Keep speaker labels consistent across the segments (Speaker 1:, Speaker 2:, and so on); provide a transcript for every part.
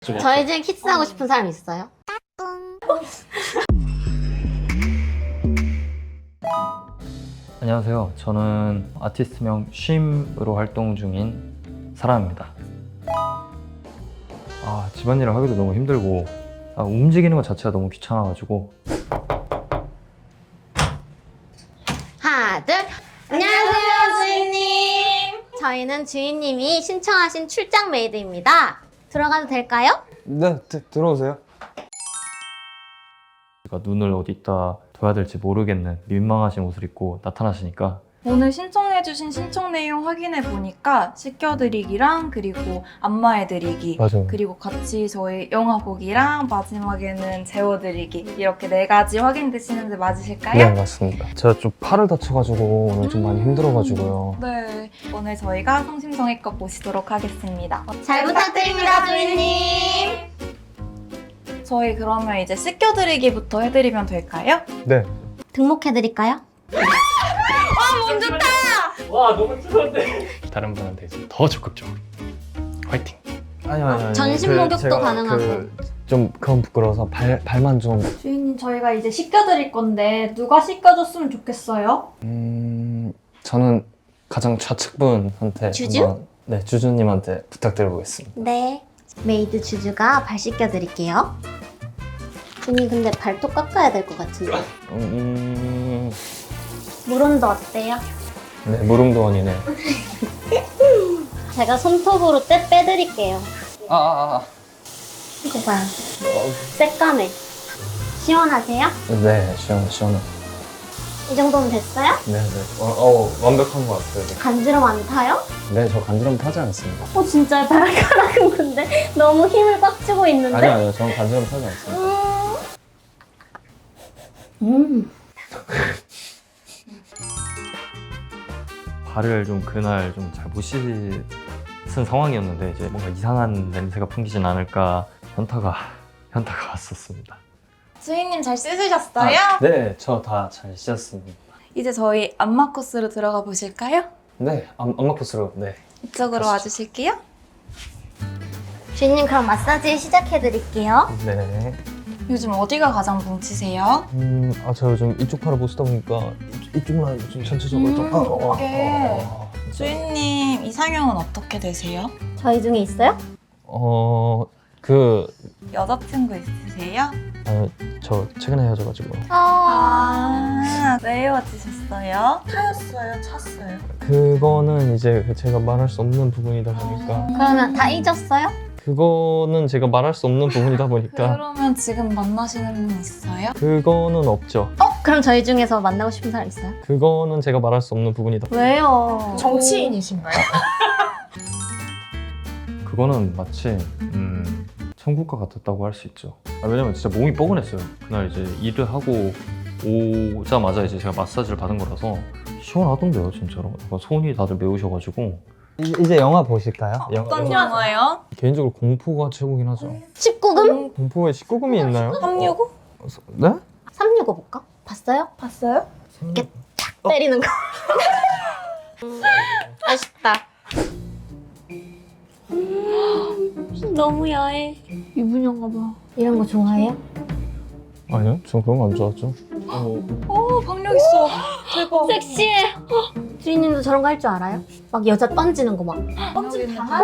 Speaker 1: 저희 중에 키스하고 싶은 사람 있어요?
Speaker 2: 안녕하세요. 저는 아티스트명 쉼으로 활동 중인 사람입니다. 집안일을 하기도 너무 힘들고 움직이는 것 자체가 너무 귀찮아가지고.
Speaker 1: 하나, 둘. 안녕하세요, 주인님. 저희는 주인님이 신청하신 출장 메이드입니다. 들어가도 될까요?
Speaker 3: 네, 들어오세요.
Speaker 2: 제가 눈을 어디다 둬야 될지 모르겠는 민망하신 옷을 입고 나타나시니까
Speaker 4: 오늘 신청해주신 신청 내용 확인해 보니까 씻겨드리기랑 그리고 안마해드리기
Speaker 3: 맞아요.
Speaker 4: 그리고 같이 저희 영화 보기랑 마지막에는 재워드리기 이렇게 4가지 확인되시는데 맞으실까요?
Speaker 3: 네, 맞습니다. 제가 좀 팔을 다쳐가지고 오늘 좀 많이 힘들어가지고요.
Speaker 4: 네, 오늘 저희가 성심성의껏 모시도록 하겠습니다.
Speaker 1: 잘 부탁드립니다, 주인님.
Speaker 4: 저희 그러면 이제 씻겨드리기부터 해드리면 될까요?
Speaker 3: 네.
Speaker 1: 등록해드릴까요?
Speaker 2: 와 너무 뜨거운데. 다른 분한테 이제 더 적극적으로 화이팅.
Speaker 3: 아니.
Speaker 1: 전신 목욕도 가능하고.
Speaker 3: 좀 그건 부끄러워서 발만 좀.
Speaker 4: 주인님 저희가 이제 씻겨드릴 건데 누가 씻겨줬으면 좋겠어요?
Speaker 3: 저는 가장 좌측분한테
Speaker 1: 주주?
Speaker 3: 한번, 네, 주주님한테 부탁드려보겠습니다.
Speaker 1: 네. 메이드 주주가 발 씻겨드릴게요. 주인님 근데 발톱 깎아야 될 것 같은데. 물온도 어때요?
Speaker 3: 네, 무릉도원이네.
Speaker 1: 제가 손톱으로 떼 빼드릴게요. 이거 봐요. 새까매. 시원하세요?
Speaker 3: 네, 시원해.
Speaker 1: 이 정도면 됐어요?
Speaker 3: 네. 완벽한 것 같아요. 네.
Speaker 1: 간지럼 안 타요?
Speaker 3: 네, 저 간지럼 타지 않습니다.
Speaker 1: 진짜 발가락은 근데 너무 힘을 꽉 주고 있는데?
Speaker 3: 아니요, 저는 간지럼 타지 않습니다.
Speaker 2: 발을 좀 그날 좀 잘 못 씻은 상황이었는데 이제 뭔가 이상한 냄새가 풍기진 않을까 현타가 왔었습니다.
Speaker 4: 주인님 잘 씻으셨어요?
Speaker 3: 네, 저 다 잘 씻었습니다.
Speaker 4: 이제 저희 안마 코스로 들어가 보실까요?
Speaker 3: 네, 안마 코스로, 네.
Speaker 4: 이쪽으로 와주실게요.
Speaker 1: 주인님 그럼 마사지 시작해드릴게요.
Speaker 3: 네.
Speaker 4: 요즘 어디가 가장 뭉치세요?
Speaker 3: 제가 요즘 이쪽 팔을 못 쓰다 보니까 이쪽만 좀 전체적으로 좀.
Speaker 4: 이게 주인님 이상형은 어떻게 되세요?
Speaker 1: 저희 중에 있어요?
Speaker 4: 여자친구 있으세요?
Speaker 3: 저 최근에 헤어져가지고.
Speaker 4: 왜 헤어지셨어요? 찼어요?
Speaker 3: 그거는 이제 제가 말할 수 없는 부분이다 보니까.
Speaker 1: 그러면 다 잊었어요?
Speaker 3: 그거는 제가 말할 수 없는 부분이다 보니까.
Speaker 4: 그러면 지금 만나시는 분 있어요?
Speaker 3: 그거는 없죠.
Speaker 1: 그럼 저희 중에서 만나고 싶은 사람 있어요?
Speaker 3: 그거는 제가 말할 수 없는 부분이다.
Speaker 1: 왜요?
Speaker 5: 정치인이신가요?
Speaker 2: 그거는 마치 천국과 같았다고 할 수 있죠. 왜냐면 진짜 몸이 뻐근했어요. 그날 이제 일을 하고 오자마자 이제 제가 마사지를 받은 거라서 시원하던데요, 진짜로. 약간 손이 다들 매우셔가지고.
Speaker 3: 이제 영화 보실까요?
Speaker 4: 어떤 영화요?
Speaker 3: 개인적으로 공포가 최고긴 하죠.
Speaker 1: 19금?
Speaker 3: 공포에 19금이 있나요?
Speaker 4: 365?
Speaker 3: 네?
Speaker 1: 365 볼까? 봤어요?
Speaker 4: 봤어요?
Speaker 1: 때리는 거. 아쉽다. 너무 야해.
Speaker 4: 이분인가 봐.
Speaker 1: 이런 거 좋아해요?
Speaker 3: 아니요, 전 그런 거 안 좋아하죠.
Speaker 4: 박력 있어. 대박.
Speaker 1: 섹시해. 주인님도 저런 거 할 줄 알아요? 막 여자 던지는 거 막.
Speaker 4: 던짐 당하네.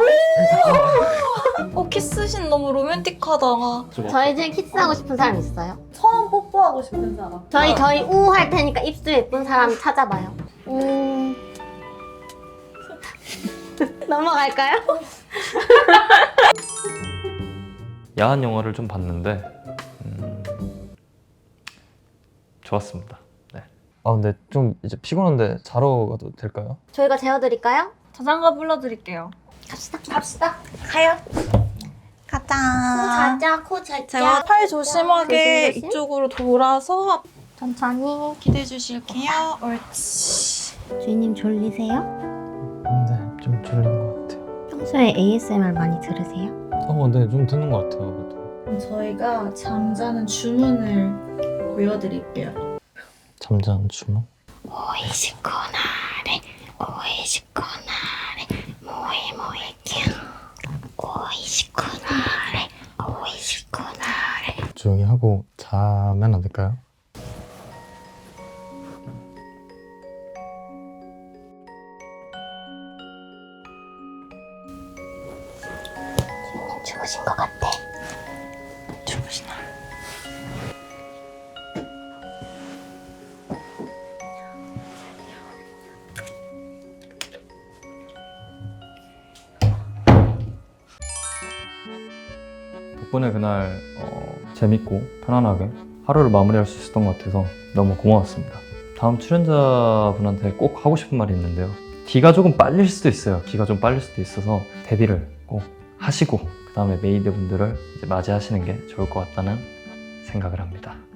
Speaker 4: 키스신 너무 로맨틱하다.
Speaker 1: 저희 중에 키스하고 싶은 사람 있어요?
Speaker 4: 처음 뽀뽀하고 싶은 사람.
Speaker 1: 저희 우 할 테니까 입술 예쁜 사람 찾아봐요. 넘어갈까요?
Speaker 2: 야한 영화를 좀 봤는데 좋았습니다. 네.
Speaker 3: 근데 좀 이제 피곤한데 자러 가도 될까요?
Speaker 1: 저희가 재워드릴까요?
Speaker 4: 자장가 불러드릴게요.
Speaker 1: 갑시다.
Speaker 4: 가요. 가자.
Speaker 1: 코 자자.
Speaker 4: 제가 팔 조심하게
Speaker 1: 조심.
Speaker 4: 이쪽으로 돌아서
Speaker 1: 천천히.
Speaker 4: 기대해 주실게요. 옳지.
Speaker 1: 주인님 졸리세요?
Speaker 3: 네, 좀 졸린 것 같아요.
Speaker 1: 평소에 ASMR 많이 들으세요?
Speaker 3: 네, 좀 듣는 것 같아요. 그래도.
Speaker 5: 그럼 저희가 잠자는 주문을 외워드릴게요.
Speaker 3: 잠자는 주문?
Speaker 1: 오이시코나레 오이시코나레 모이모이킹 오이시코나레
Speaker 3: 조용히 하고 자면 안 될까요?
Speaker 1: 주무신 것 같아.
Speaker 4: 주무시나?
Speaker 2: 덕분에 그날 재밌고 편안하게 하루를 마무리할 수 있었던 것 같아서 너무 고마웠습니다. 다음 출연자분한테 꼭 하고 싶은 말이 있는데요. 기가 조금 빨릴 수도 있어요. 기가 좀 빨릴 수도 있어서 데뷔를 꼭 하시고 그 다음에 메이드분들을 이제 맞이하시는 게 좋을 것 같다는 생각을 합니다.